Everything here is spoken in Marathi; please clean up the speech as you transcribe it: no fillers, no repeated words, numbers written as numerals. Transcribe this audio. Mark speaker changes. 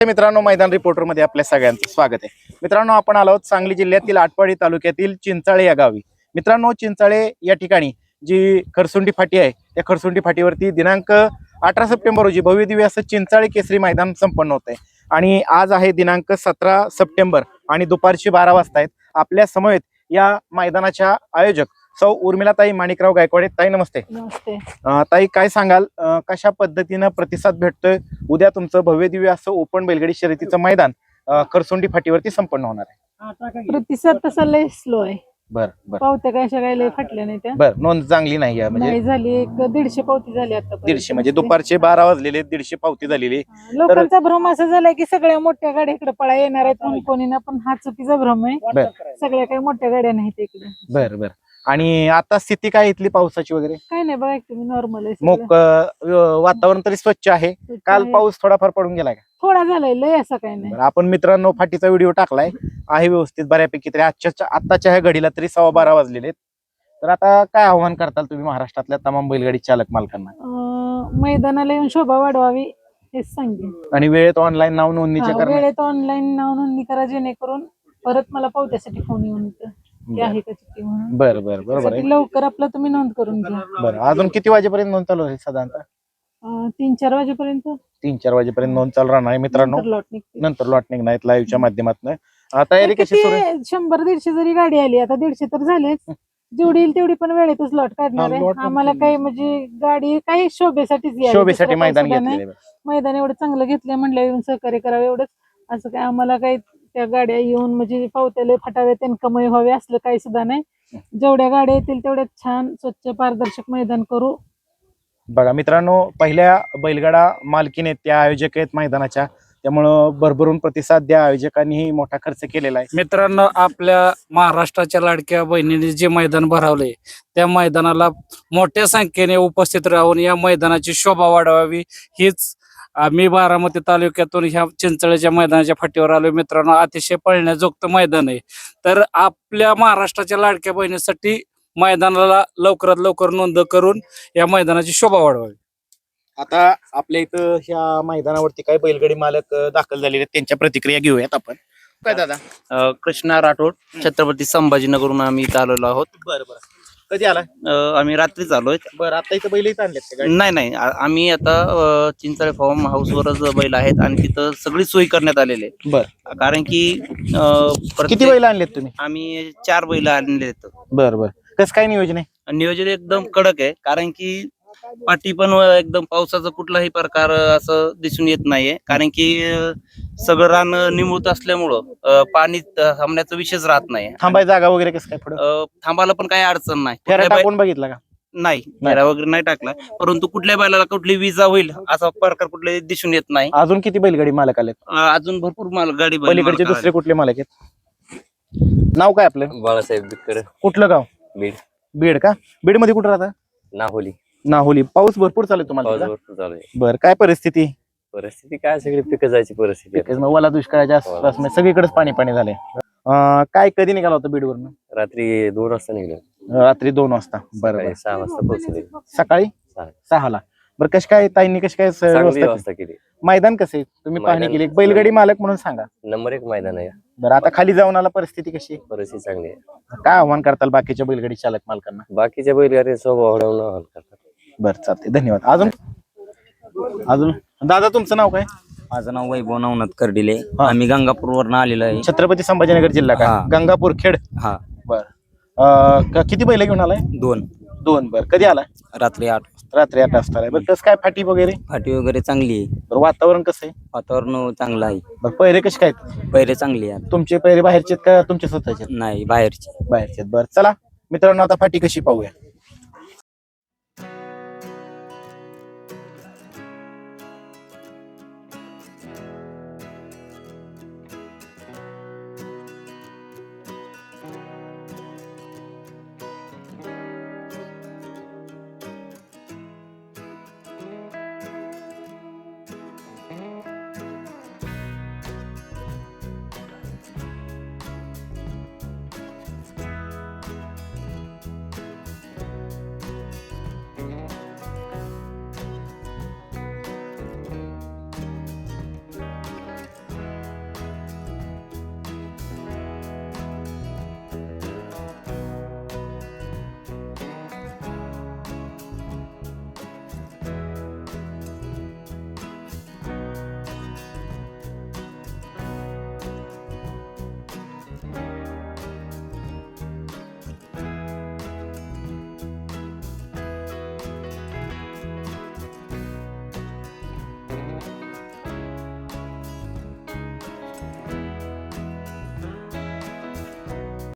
Speaker 1: मित्रांनो, मैदान रिपोर्टर मध्ये आपल्या सगळ्यांचं स्वागत आहे। मित्रांनो, आपण आलो आहोत सांगली जिल्ह्यातील आटपाडी तालुक्यातील चिंचाळे या गावी। मित्रांनो, चिंचाळे या ठिकाणी जी खरसुंडी फाटी आहे त्या खरसुंडी फाटीवरती दिनांक 18 सप्टेंबर रोजी भव्य दिव्य असं चिंचाळे केसरी मैदान संपन्न होत आहे आणि आज आहे दिनांक 17 सप्टेंबर आणि दुपारचे 12 वाजता आहेत। आपल्या समवेत या मैदानाच्या आयोजक सौ उर्मिलाताई माणिकराव गायकवाड। ताई नमस्ते।
Speaker 2: नमस्ते
Speaker 1: ताई, काय सांगाल, कशा पद्धतीनं प्रतिसाद भेटतोय? उद्या तुमचं भव्य दिव्य असं ओपन बैलगाडी शर्यतीचं मैदान खरसुंडी फाटीवरती संपन्न होणार आहे।
Speaker 2: प्रतिसाद तसा लय स्लो आहे।
Speaker 1: बर बर
Speaker 2: पावत्या काय सगळ्या लय फाटल्या नाही त्या।
Speaker 1: बर, नोंद चांगली नाही म्हणजे
Speaker 2: नाही झाली, एक 150 पावती झाली आता।
Speaker 1: 150 म्हणजे दुपारचे 12 वाजलेले 150 पावती झालेली।
Speaker 2: लोकांचा भ्रम असा झालाय की सगळ्या मोठ्या गाड्या इकडे पळा येणार आहेत म्हणून कोणी ना, पण हा चुकीचा भ्रम आहे। सगळ्या काही मोठ्या गाड्या नाहीत इकडे।
Speaker 1: बर बर। आणि आता स्थिती काय इथली पावसाची वगैरे?
Speaker 2: काय नाही बघा, तुम्ही नॉर्मल आहे।
Speaker 1: मग वातावरण तरी स्वच्छ आहे? काल पाऊस थोडाफार पडून गेलाय का?
Speaker 2: थोडा झालाय, लय असं काही नाही।
Speaker 1: आपण मित्रांनो फाटीचा व्हिडिओ टाकलाय आहे व्यवस्थित बऱ्यापैकी तरी। आताच्या ह्या घडीला तरी 12:15 वाजलेले आहेत। तर आता काय आव्हान करताल तुम्ही महाराष्ट्रातल्या तमाम बैलगाडी चालक मालकांना?
Speaker 2: मैदानाला येऊन शोभा वाढवावी हेच सांगेन।
Speaker 1: आणि वेळेत ऑनलाईन नाव नोंदणीच्या करा।
Speaker 2: वेळेत ऑनलाईन नाव नोंदणी करा, जेणेकरून परत मला पावत्यासाठी फोन येऊन की आहे का चिठ्ठी म्हणून।
Speaker 1: बरं बरं, बरोबर आहे।
Speaker 2: लवकर आपलं तुम्ही नोंद करून घ्या।
Speaker 1: बरं, अजून किती वाजेपर्यंत नोंद चालू आहे साधारणतः?
Speaker 2: 3-4 वाजेपर्यंत।
Speaker 1: 3-4 वाजेपर्यंत नोंद चालू राहणार आहे मित्रांनो। नंतर लॉट निघणार लाईव्हच्या माध्यमातून। तयारी कशी सुरू आहे?
Speaker 2: 100-150 जरी गाडी आली, आता 150 तर झालेच, जेवढी येईल तेवढी पण वेळेतच लॉट काढणार आहे। आम्हाला काही म्हणजे गाडी काही शोभेसाठीच
Speaker 1: शोभेसाठी मैदान घेतलेलं।
Speaker 2: मैदान एवढं चांगलं घेतलं म्हणलं येऊन सहकार्य करावं एवढंच। असं काय आम्हाला काही त्या गाड्या येऊन म्हणजे पावत्याला फटावे त्यांना कमाई व्हावे असलं काही सुद्धा नाही। जेवढ्या गाड्या येतील तेवढ्या छान स्वच्छ पारदर्शक मैदान करू।
Speaker 1: बघा मित्रांनो, पहिल्या बैलगाडा मालकीने त्या आयोजक आहेत मैदानाच्या, त्यामुळं भरभरून प्रतिसाद द्या। आयोजकांनीही मोठा खर्च केलेला आहे।
Speaker 3: मित्रांनो, आपल्या महाराष्ट्राच्या लाडक्या बहिणीने जे मैदान भरवले त्या मैदानाला मोठ्या संख्येने उपस्थित राहून या मैदानाची शोभा वाढवावी हीच आम्ही बारामती तालुक्यातून ह्या चिंचाळेच्या मैदानाच्या फाटीवर आलो। मित्रांनो, अतिशय पळण्याजोगतं मैदान आहे। तर आपल्या महाराष्ट्राच्या लाडक्या बहिणीसाठी मैदानाला लवकरात लवकर नोंद करून या मैदानाची शोभा वाढवावी।
Speaker 1: आता आपल्या इथं ह्या मैदानावरती काही बैलगाडी मालक दाखल झालेले आहेत, त्यांच्या प्रतिक्रिया घेऊयात आपण। काय दादा?
Speaker 4: कृष्णा राठोड, छत्रपती संभाजीनगरहून आम्ही इथं आलेलो आहोत।
Speaker 1: बरं बरं, कधी आला?
Speaker 4: आम्ही रात्रीच आलोय।
Speaker 1: बरं, आता इथं बैल इथं आणलेत का?
Speaker 4: नाही, आम्ही आता चिंचाळे फार्म हाऊस वरच बैल आहेत आणि तिथं सगळी सोय करण्यात आलेली आहे।
Speaker 1: बरं,
Speaker 4: कारण की
Speaker 1: किती बैल आणलेत तुम्ही?
Speaker 4: आम्ही 4 बैल आणले आहेत।
Speaker 1: बरं बरं, कसं काय नियोजन आहे?
Speaker 4: नियोजन एकदम कडक आहे, कारण की पाठी पण एकदम पावसाचा कुठलाही प्रकार असं दिसून येत नाहीये। कारण की सगळं रान निमुळत असल्यामुळं पाणी थांबण्याचा विषयच राहत नाही।
Speaker 1: थांबाय जागा वगैरे कसं काय पुढे?
Speaker 4: थांबायला पण काही अडचण नाही।
Speaker 1: फेरा टाकून बघितला का?
Speaker 4: नाही, फेरा वगैरे नाही टाकला, परंतु कुठल्या बैलाला कुठली विजा होईल असा प्रकार कुठले दिसून येत नाही।
Speaker 1: अजून किती बैलगाडी मालक आलेत?
Speaker 4: अजून भरपूर गाडी
Speaker 1: पलीकडचे दुसरे कुठले मालक आहेत? नाव काय आपलं?
Speaker 5: बाळासाहेब बिटकर,
Speaker 1: कुठलं गाव?
Speaker 5: बीड.
Speaker 1: बीड का? बीड मध्ये कुठं राहता?
Speaker 5: नाहोली.
Speaker 1: नाहोली। पाऊस भरपूर चालू आहे तुम्हाला
Speaker 5: पाऊस
Speaker 1: तिकडं?
Speaker 5: भरपूर चालू आहे।
Speaker 1: बरं, काय परिस्थिती?
Speaker 5: परिस्थिती काय, सगळी पिकं जायची परिस्थिती आहे.
Speaker 1: मग ओला दुष्काळाच्या आसपास सगळीकडेच पाणी पाणी झालंय। काय कधी निघाला होता बीडवरून?
Speaker 5: रात्री 2 वाजता निघलो,
Speaker 1: रात्री 2 वाजता। बरं,
Speaker 5: 6 वाजता पोहोचले।
Speaker 1: सकाळी 6ला। बरं, कशी काय ताईंनी कशी काय
Speaker 5: चांगली
Speaker 1: व्यवस्था
Speaker 5: व्यवस्था केली।
Speaker 1: मैदान कसे तुम्ही पाहणी केली? एक बैलगाडी मालक म्हणून सांगा।
Speaker 5: नंबर 1 मैदान आहे।
Speaker 1: बरं, आता खाली जाऊन आला, परिस्थिती कशी?
Speaker 5: परिस्थिती चांगली आहे।
Speaker 1: काय आव्हान करताल बाकीच्या बैलगाडी चालक मालकांना?
Speaker 5: बाकीच्या बैलगाडी स्वभाव वाढवून करतात।
Speaker 1: बरं, चालते, धन्यवाद। अजून दादा, तुमचं नाव काय?
Speaker 6: माझं नाव वैभव नवनाथ कर्डिले। आम्ही गंगापूर वरनं आलेलो आहे।
Speaker 1: छत्रपती संभाजीनगर जिल्हा का? गंगापूर खेड।
Speaker 6: हा।
Speaker 1: बर, किती बैल घेऊन आलाय? 2। बरं, कधी आला?
Speaker 6: रात्री 8
Speaker 1: रात्री 8 वाजता। बरं, कसं काय फाटी वगैरे?
Speaker 6: फाटी वगैरे चांगली आहे।
Speaker 1: बरं, वातावरण कसं आहे?
Speaker 6: वातावरण चांगलं आहे।
Speaker 1: बरं, पहिरे कसे काय?
Speaker 6: पैरे चांगली आहे।
Speaker 1: तुमचे पहिरे बाहेरचे का तुमचे स्वतःचे?
Speaker 6: नाही, बाहेरची।
Speaker 1: बाहेरचे। बरं, चला मित्रांनो, आता फाटी कशी पाहूया।